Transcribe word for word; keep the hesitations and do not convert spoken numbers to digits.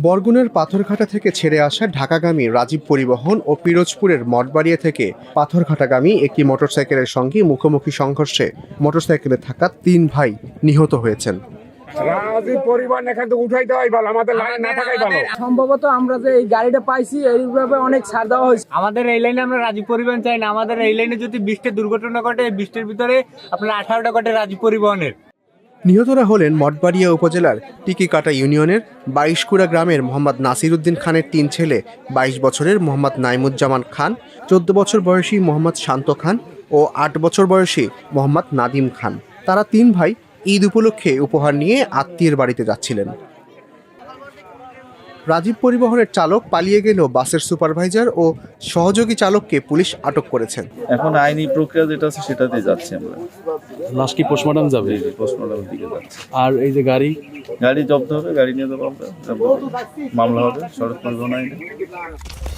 বরগুনার পাথরঘাটা থেকে ছেড়ে আসা ঢাকাগামী রাজীব পরিবহন ও পিরোজপুরের মঠবাড়িয়া থেকে পাথরঘাটাগামী একটি মোটরসাইকেলের সঙ্গে মুখোমুখি সংঘর্ষে মোটরসাইকেলে থাকা তিন ভাই নিহত হয়েছেন। সম্ভবত আমরা যে এই গাড়িটা পাইছি এইভাবে অনেক ছাড় দেওয়া হয়েছে। আমাদের এই লাইনে আমরা রাজীব পরিবহন চাই না। আমাদের এই লাইনে যদি বিশটা দুর্ঘটনা ঘটে, বিশটার ভিতরে আপনার আঠারোটা ঘটে রাজীব পরিবহনের। নিহতরা হলেন মঠবাড়িয়া উপজেলার টিকিকাটা ইউনিয়নের বাইশকুড়া গ্রামের মোহাম্মদ নাসির উদ্দিন খানের তিন ছেলে, বাইশ বছরের মোহাম্মদ নাইমুজ্জামান খান, চোদ্দ বছর বয়সী মোহাম্মদ শান্ত খান ও আট বছর বয়সী মোহাম্মদ নাদিম খান। তারা তিন ভাই ঈদ উপলক্ষে উপহার নিয়ে আত্মীয়ের বাড়িতে যাচ্ছিলেন। রাজীব পরিবহনের চালক পালিয়ে গেলেও বাসের সুপারভাইজার ও সহযোগী চালককে পুলিশ আটক করেছেন। এখন আইনি প্রক্রিয়া যেটা আছে সেটাতে যাচ্ছি আমরা। লাশ কি পোস্টমর্টম যাবে? পোস্টমর্টমের দিকে যাচ্ছে। আর এই যে গাড়ি গাড়ি জব্দ হবে, গাড়ি নিয়ে যাবো আমরা, মামলা হবে সড়ক পরিবহন আইনে।